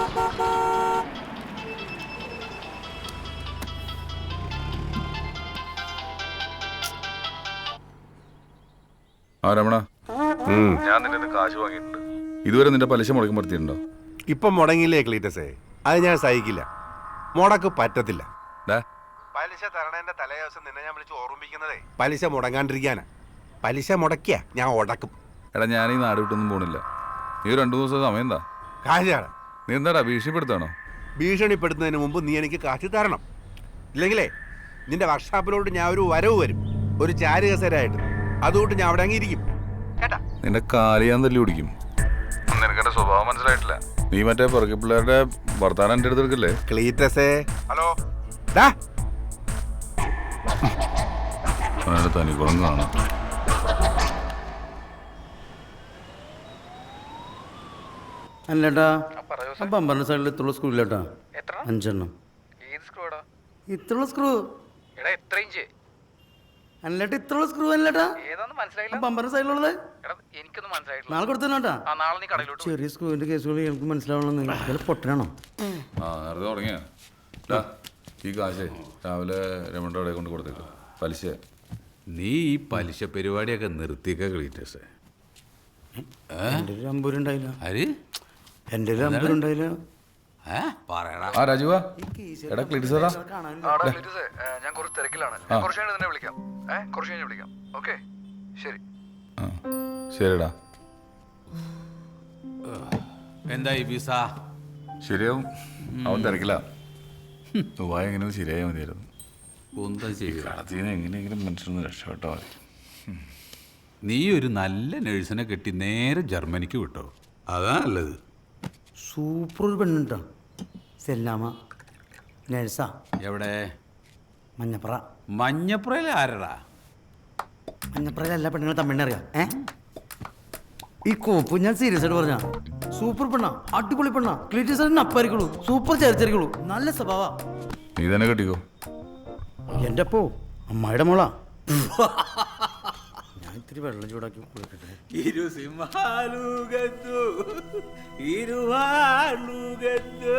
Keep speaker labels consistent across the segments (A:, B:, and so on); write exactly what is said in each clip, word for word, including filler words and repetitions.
A: ആ രമണ, ഞാൻ നിന്റെ കാശ് വാങ്ങിയിട്ടുണ്ട്. ഇതുവരെ നിന്റെ പലിശ മുടക്കം പറ്റിയിട്ടുണ്ടോ?
B: ഇപ്പം മുടങ്ങിയില്ലേ ക്ലീറ്റസേ? അത് ഞാൻ സഹിക്കില്ല. മുടക്ക് പറ്റത്തില്ല. പലിശ തരണേന്റെ തലേ ദിവസം നിന്നെ ഞാൻ വിളിച്ച് ഓർമ്മിപ്പിക്കുന്നതേ പലിശ മുടങ്ങാണ്ടിരിക്കാനാ. പലിശ മുടക്കിയ ഞാൻ ഉടക്കും.
A: എടാ, ഞാൻ ഈ നാട് വിട്ടൊന്നും പോണില്ല. നീ രണ്ടു ദിവസം സമയം എന്താ?
B: കാശാണ്.
A: നീ എന്താടാ ഭീഷണിപ്പെടുത്താണോ?
B: ഭീഷണിപ്പെടുത്തുന്നതിന് മുമ്പ് നീ എനിക്ക് കാശ് തരണം. ഇല്ലെങ്കിലേ നിന്റെ വർക്ക്ഷോപ്പിലോട്ട് ഞാൻ ഒരു വരവ് വരും, ഒരു ചാരുകസരായിട്ട്. അതുകൊണ്ട് ഞാൻ അവിടെ അങ്ങിരിക്കും കേട്ടാ.
A: നിന്റെ കാല് ഞാൻ തല്ലി പിടിക്കും. നിനക്കെന്റെ സ്വഭാവം മനസ്സിലായിട്ടില്ല. നീ മറ്റേ പുറകെ പിള്ളേരുടെ വർത്താനം എന്റെ അടുത്ത് എടുക്കല്ലേ?
B: ക്ലീറ്റസേ, ഹലോ.
A: തനിക്കുളം കാണാം.
C: അല്ലേട്ടാ, പമ്പറിന്റെ സൈഡിൽ ഇത്രയുള്ള സ്ക്രൂ ഇല്ലേട്ടാ? അഞ്ചെണ്ണം. ഇത്രയുള്ള സ്ക്രൂ അല്ലേട്ടാ, ഇത്രയുള്ള സ്ക്രൂ അല്ലേട്ടാ? പമ്പറിന്റെ സൈഡിലുള്ളത് നാളെ കൊടുത്തേട്ടാ. ചെറിയ സ്ക്രൂവിന്റെ കേസുകൾ എനിക്ക് മനസ്സിലാവണമെന്ന് പൊട്ടനാണോ?
A: ആ നേരത്തെ തുടങ്ങിയ ഈ കാശേ രാവിലെ രമണ അവിടെ കൊണ്ട് കൊടുത്തേക്ക്. പലിശ
D: നീ ഈ പലിശ പരിപാടിയൊക്കെ നിർത്തിയൊക്കെ ക്ലീറ്റസേ.
C: എൻ്റെ ഒരു അമ്പൂരുണ്ടായില്ല.
D: ആര്?
C: എൻ്റെ ഒരു അമ്പൂരുണ്ടായില്ല.
A: ആ രാജുവാ, എടാ ക്ലീറ്റസാ,
E: ഞാൻ കുറച്ച് തിരക്കിലാണ്. കുറച്ച് കഴിഞ്ഞ് നിന്നെ വിളിക്കാം. കുറച്ച് കഴിഞ്ഞ് വിളിക്കാം. ഓക്കെ, ശരി.
A: ശരിടാ.
D: എന്തായി വിസ?
A: ശരിയാവും. അവൻ തിരക്കില്ല. ദുബായ് എങ്ങനെയോ ശരിയായാൽ മതിയായിരുന്നു.
D: എന്താ ചെയ്യുക?
A: കടത്തിന് എങ്ങനെയെങ്കിലും മനുഷ്യരൊന്ന് രക്ഷപ്പെട്ടാൽ മതി.
D: നീ ഒരു നല്ല നഴ്സിനെ കെട്ടി നേരെ ജർമ്മനിക്ക് വിട്ടോ, അതാ നല്ലത്.
C: സൂപ്പർ ഒരു പെണ്ണുണ്ടോ, സെല്ലാമ, നഴ്സാ.
D: എവിടെ?
C: മഞ്ഞപ്പുറ.
D: മഞ്ഞപ്പുറയിൽ ആരടാ?
C: മഞ്ഞപ്പുറയിൽ എല്ലാ പെണ്ണുങ്ങളും തമിഴിനറിയാം. ഏ ഈ കോപ്പ് ഞാൻ സീരിയസ് ആയിട്ട് പറഞ്ഞ സൂപ്പർ പെണ്ണാ, അടിപൊളി പെണ്ണാ. ക്ലീറ്റസിന് അപ്പായിരിക്കുള്ളൂ, സൂപ്പർ ചേർച്ചരിക്കുള്ളൂ, നല്ല സ്വഭാവ.
A: നീ തന്നെ കെട്ടിക്കോ.
C: എൻ്റെ അപ്പോ അമ്മായിയുടെ മോളാ. ഞാൻ ഇത്തിരി വെള്ളം ചൂടാക്കി കൊടുക്കട്ടെ.
D: ഇരു സിംഹാലുകത്തു ഇരുവാലുകത്തു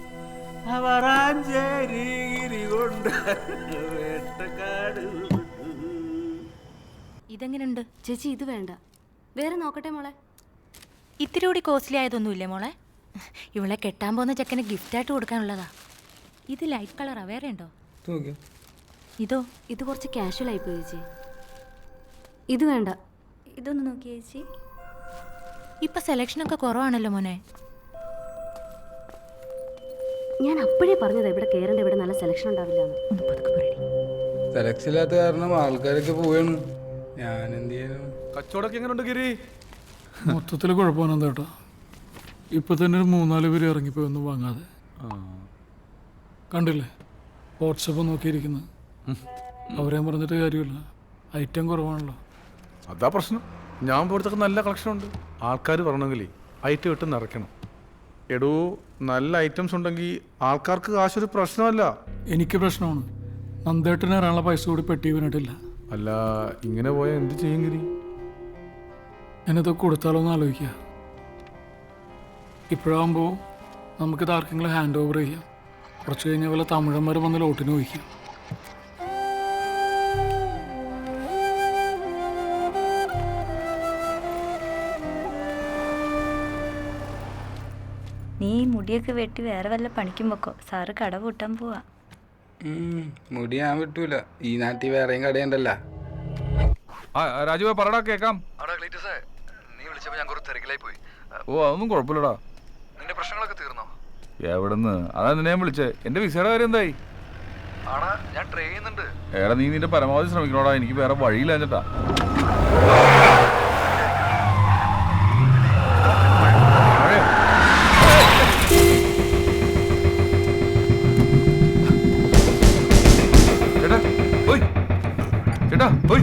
D: അവറാഞ്ചേരി കൊണ്ട് വേട്ടക്കാട്.
F: ഇതെങ്ങനെയുണ്ട് ചേച്ചി? ഇത് വേണ്ട, വേറെ നോക്കട്ടെ മോളെ. ഇത്തിരി കൂടി കോസ്റ്റ്ലി ആയതൊന്നുമില്ലേ മോളെ? ഇവളെ കെട്ടാൻ പോകുന്ന ചെക്കന് ഗിഫ്റ്റായിട്ട് കൊടുക്കാനുള്ളതാ. ഇത് ലൈറ്റ് കളറാ, വേറെ ഉണ്ടോ? ഇതോ?
G: ഇത് കുറച്ച് കാഷ്വൽ ആയിപ്പോയി ചേച്ചി. ഇത് വേണ്ട, ഇതൊന്ന് നോക്കിയേ ചേച്ചി.
F: ഇപ്പൊ സെലക്ഷനൊക്കെ കുറവാണല്ലോ മോനെ.
G: ഞാൻ അപ്പോഴേ പറഞ്ഞതാ ഇവിടെ കയറേണ്ട, ഇവിടെ നല്ല സെലക്ഷൻ ഉണ്ടാവില്ല.
F: ഒന്ന് പതുക്കെ പറയടി.
H: സെലക്ഷൻ ഇല്ലാത്ത കാരണം ആൾക്കാരൊക്കെ പോവാണ്. ഞാൻ എന്ത് ചെയ്യാനും.
B: കച്ചവടമൊക്കെ എങ്ങനെയുണ്ട് ഗിരി?
I: മൊത്തത്തിൽ കുഴപ്പമാണ് കേട്ടോ. ഇപ്പൊ തന്നെ ഒരു മൂന്നാല് പേര് ഇറങ്ങിപ്പോയൊന്നും വാങ്ങാതെ. കണ്ടില്ലേ വാട്സപ്പ് നോക്കിയിരിക്കുന്നത്? അവരെയും പറഞ്ഞിട്ട് കാര്യമില്ല, ഐറ്റം കുറവാണല്ലോ.
B: അതാ പ്രശ്നം. ഞാൻ പോലത്തൊക്കെ നല്ല കളക്ഷൻ ഉണ്ട്. ആൾക്കാർ പറഞ്ഞെങ്കിലേ ഐറ്റം ഇട്ട് നിറയ്ക്കണം. എടോ, നല്ല ഐറ്റംസ് ഉണ്ടെങ്കിൽ ആൾക്കാർക്ക് കാശൊരു പ്രശ്നമല്ല.
I: എനിക്ക് പ്രശ്നമാണ്. നന്ദേട്ടന് ഇറാനുള്ള പൈസ കൂടി പെട്ടി വീണിട്ടില്ല.
B: അല്ല, ഇങ്ങനെ പോയാൽ എന്ത് ചെയ്യും ഗിരി?
I: ഞാനിതൊക്കെ കൊടുത്താലോ എന്ന് ആലോചിക്കുക. ഇപ്പോഴാകുമ്പോൾ നമുക്കിത് ആർക്കെങ്കിലും ഹാൻഡ് ഓവർ ചെയ്യാം. കുറച്ച് കഴിഞ്ഞ പോലെ തമിഴന്മാർ വന്ന് ലോട്ടിന് വഹിക്കാം.
G: നീ മുടിയൊക്കെ വെട്ടി വേറെ വല്ല പണിക്കും വെക്കോ, സാറ് കട പൂട്ടാൻ പോവാ.
H: മുടി ഞാൻ വിട്ടൂല, ഈ നാട്ടിൽ വേറെയും കടയുണ്ടല്ലോ.
A: രാജുവാ പറടാ, കേക്കാം.
E: നീ വിളിച്ചപ്പോ ഞാൻ കുറച്ച് തിരക്കിലായി പോയി.
A: ഓ അതൊന്നും കുഴപ്പമില്ലടാ.
E: നിന്റെ പ്രശ്നങ്ങളൊക്കെ തീർന്നോ?
A: എവിടെന്ന്? അതാ നിന്നെ ഞാൻ വിളിച്ചേ. എന്റെ വിസയുടെ കാര്യം എന്തായി?
E: ആടാ, ഞാൻ ട്രൈ ചെയ്യുന്നുണ്ട്.
A: ഏടാ, നീ നിന്റെ പരമാവധി ശ്രമിക്കണോടാ. എനിക്ക് വേറെ വഴിയില്ല എന്നിട്ടാ. ചേട്ടാ പോയി, ചേട്ടാ പോയി.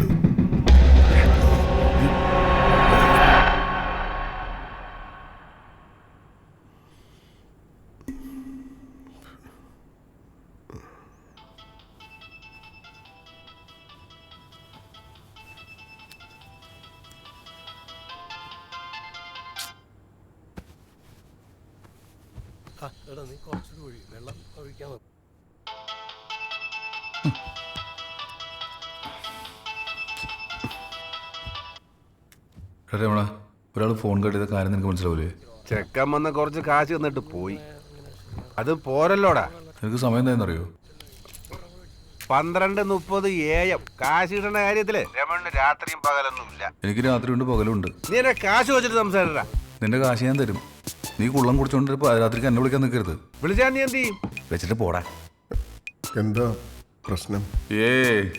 A: രമണ, ഒരാൾ ഫോൺ കട്ട് ചെയ്ത കാര്യം നിനക്ക് മനസ്സിലാവൂലേ?
B: ചെക്കൻ വന്ന് കുറച്ച് കാശ് തന്നിട്ട് പോയി. അത് പോരല്ലോടാ.
A: നിനക്ക് സമയം എന്തായെന്നറിയോ?
B: പന്ത്രണ്ട് മുപ്പത് എ എം. കാശ് കിട്ടുന്ന കാര്യത്തില് രമണിന് രാത്രിയും പകലൊന്നും ഇല്ല.
A: എനിക്ക് രാത്രിയുണ്ട് പകലുണ്ട്.
B: നീ എന്നെ കാശ് വെച്ചിട്ട് സംസാരിടാ.
A: നിന്റെ കാശ് ഞാൻ തരും. നീ കുള്ളം കുടിച്ചോണ്ട് രാത്രിക്ക് എന്നെ വിളിക്കാൻ നിൽക്കരുത്.
B: വിളിച്ചാൽ നീ എന്ത് ചെയ്യും?
A: വെച്ചിട്ട് പോടാ.
J: എന്താ പ്രശ്നം?
A: ഏ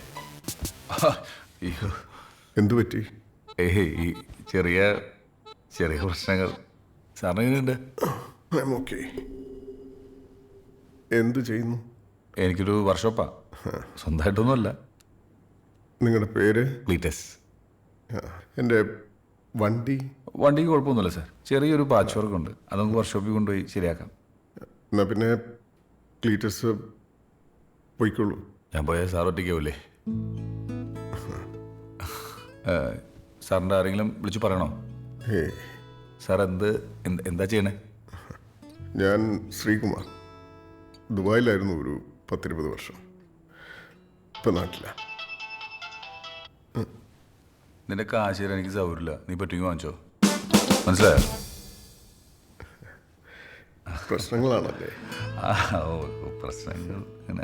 A: അയ്യോ,
J: എന്തു പറ്റി?
A: ഏഹ് ഈ ചെറിയ ചെറിയ പ്രശ്നങ്ങൾ. സാറിന് എങ്ങനെയുണ്ട്?
J: ഓക്കെ. എന്തു ചെയ്യുന്നു?
A: എനിക്കൊരു വർക്ക്ഷോപ്പാ, സ്വന്തമായിട്ടൊന്നുമല്ല.
J: നിങ്ങളുടെ പേര്?
A: ക്ലീറ്റസ്.
J: എൻ്റെ വണ്ടി?
A: വണ്ടിക്ക് കുഴപ്പമൊന്നുമില്ല സാർ, ചെറിയൊരു പാച്ച് വർക്ക് ഉണ്ട്, അത് നമുക്ക് വർക്ക്ഷോപ്പിൽ കൊണ്ടുപോയി ശരിയാക്കാം.
J: എന്നാ പിന്നെ ക്ലീറ്റസ് പോയിക്കോളൂ.
A: ഞാൻ പോയാൽ സാർ ഒറ്റയ്ക്കാവൂലേ? സാറിൻ്റെ ആരെങ്കിലും വിളിച്ച് പറയണോ?
J: ഹേ,
A: സാർ എന്ത് എന്താ ചെയ്യണേ?
J: ഞാൻ ശ്രീകുമാർ. ദുബായിലായിരുന്നു ഒരു പത്തിരുപത് വർഷം. ഇപ്പം നാട്ടില.
A: നിന്റെ കാശ് തരാൻ എനിക്ക് സൗകര്യമില്ല, നീ പറ്റുമെങ്കിൽ വാങ്ങിച്ചോ. മനസ്സിലായോ?
J: പ്രശ്നങ്ങളാണല്ലേ?
A: ആ ഓ പ്രശ്നങ്ങൾ അങ്ങനെ.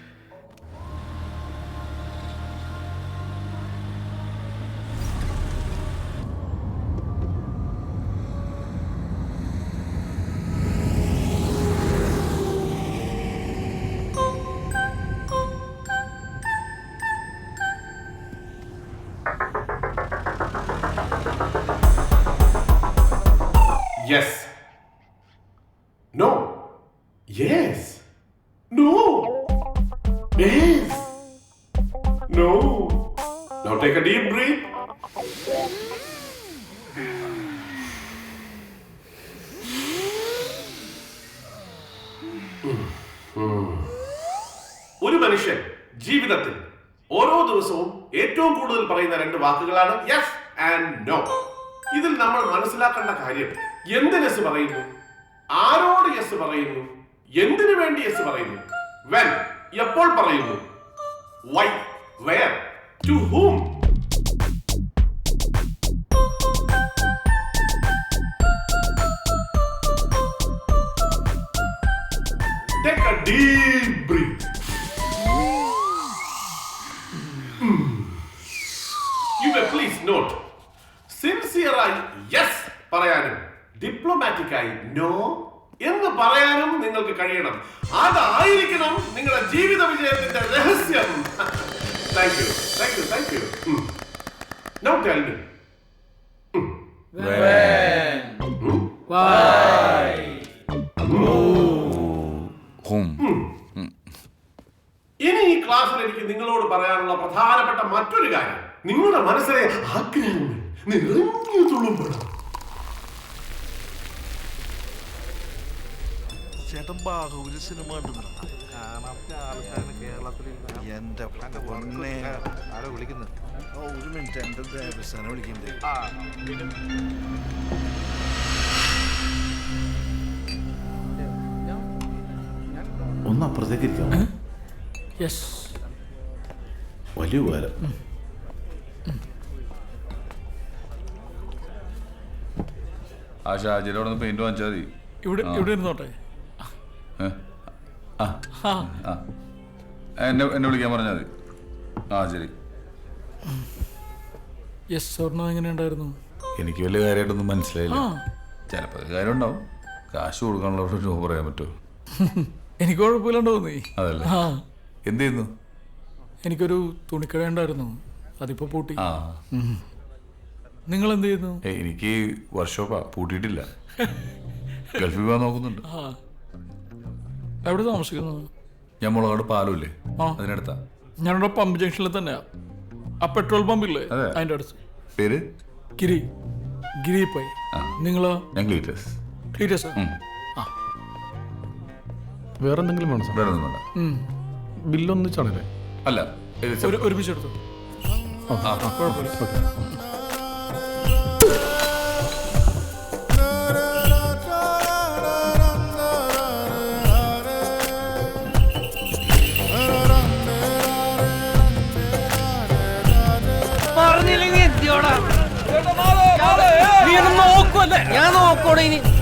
K: Yes. No. Yes. No. Yes. No. Now take a deep breath. ഒരു മനുഷ്യൻ ജീവിതത്തിൽ ഓരോ ദിവസവും ഏറ്റവും കൂടുതൽ പറയുന്ന രണ്ട് വാക്കുകളാണ് യെസ് ആൻഡ് നോ. ഇതിൽ നമ്മൾ മനസ്സിലാക്കേണ്ട കാര്യം, എന്തിന് യെസ് പറയുന്നു, ആരോട് യെസ് പറയുന്നു, എന്തിനു വേണ്ടി യെസ് പറയുന്നു, വെൻ എപ്പോൾ പറയുന്നു, why, where, to whom. Take a deep breath. Mm. You may please note, സിൻസിയറായി യെസ് പറയാനും ഡിപ്ലോമാറ്റിക്കായി നോ എന്ന് പറയാനും നിങ്ങൾക്ക് കഴിയണം. അതായിരിക്കണം നിങ്ങളുടെ ജീവിത വിജയത്തിന്റെ രഹസ്യം. Thank you thank you thank you. Now tell me, ഇനി ഈ ക്ലാസ്സിൽ എനിക്ക് നിങ്ങളോട് പറയാനുള്ള പ്രധാനപ്പെട്ട മറ്റൊരു കാര്യം, നിങ്ങളുടെ മനസ്സിലെ ആഗ്രഹങ്ങൾ നിറഞ്ഞു തുളുമ്പണം.
L: ചേട്ടൻ ബാഹുബലി സിനിമ എന്റെ പൊന്നെ ആരോ വിളിക്കുന്നു. ഒരു മിനിറ്റ്, എന്റെ ദേവസ്ഥാനം വിളിക്കണ്ടേ?
M: ഒന്ന് അപ്പുറത്തേക്ക് ഇരിക്കാം.
I: യെസ്,
M: വലിയ ഉപകാരം.
A: ആ ഷാജിയുടെ അവിടെ നിന്ന് പെയിന്റ് വാങ്ങിച്ചാൽ മതി.
I: ഇവിടെ ഇവിടെ ഇരുന്നോട്ടെ.
A: ആ ആ എന്നെ എന്നെ വിളിക്കാൻ പറഞ്ഞാൽ മതി. ആ ശരി.
I: യെസ് സ്വർണ്ണം എങ്ങനെ ഉണ്ടായിരുന്നു?
A: എനിക്ക് വലിയ കാര്യമായിട്ടൊന്നും മനസ്സിലായില്ല. ചിലപ്പോൾ കാര്യം ഉണ്ടാവും. കാശ് കൊടുക്കാനുള്ള രൂപ പറയാൻ പറ്റുമോ?
I: എനിക്ക് കുഴപ്പമില്ലാണ്ട് തോന്നി.
A: അതല്ലേ.
I: ആ
A: എന്ത് ചെയ്യുന്നു?
I: എനിക്കൊരു തുണിക്കട ഉണ്ടായിരുന്നു, അതിപ്പോ പൂട്ടി.
A: ആ
I: നിങ്ങൾ എന്ത് ചെയ്യുന്നു?
A: എനിക്ക് വർക്ക്ഷോപ്പാ, പൂട്ടിയിട്ടില്ല. ഗൾഫിൽ പോകാൻ നോക്കുന്നുണ്ട്.
I: ആ എവിടെ താമസിക്കുന്നു?
A: ഞാൻ മുളകാട് പാലമില്ലേ,
I: ആ
A: അതിനടുത്താ.
I: ഞാനിവിടെ പമ്പ് ജംഗ്ഷനിൽ തന്നെയാ. ആ പെട്രോൾ പമ്പില്ലേ അതിന്റെ അടുത്ത്.
A: പേര്
I: ഗിരി ഗിരി പൈ. നിങ്ങളോ?
A: ഞാൻ ക്ലീറ്റസ്.
I: ക്ലീറ്റസ്. ആ
M: വേറെ എന്തെങ്കിലും വേണം?
A: വേറെ ഒന്നും വേണ്ട.
M: ബില്ലൊന്നിച്ചാണല്ലേ?
A: അല്ല,
I: ഒരുമിച്ച് എടുത്തു. കുഴപ്പമില്ല.
C: നോക്കോടെ ഇനി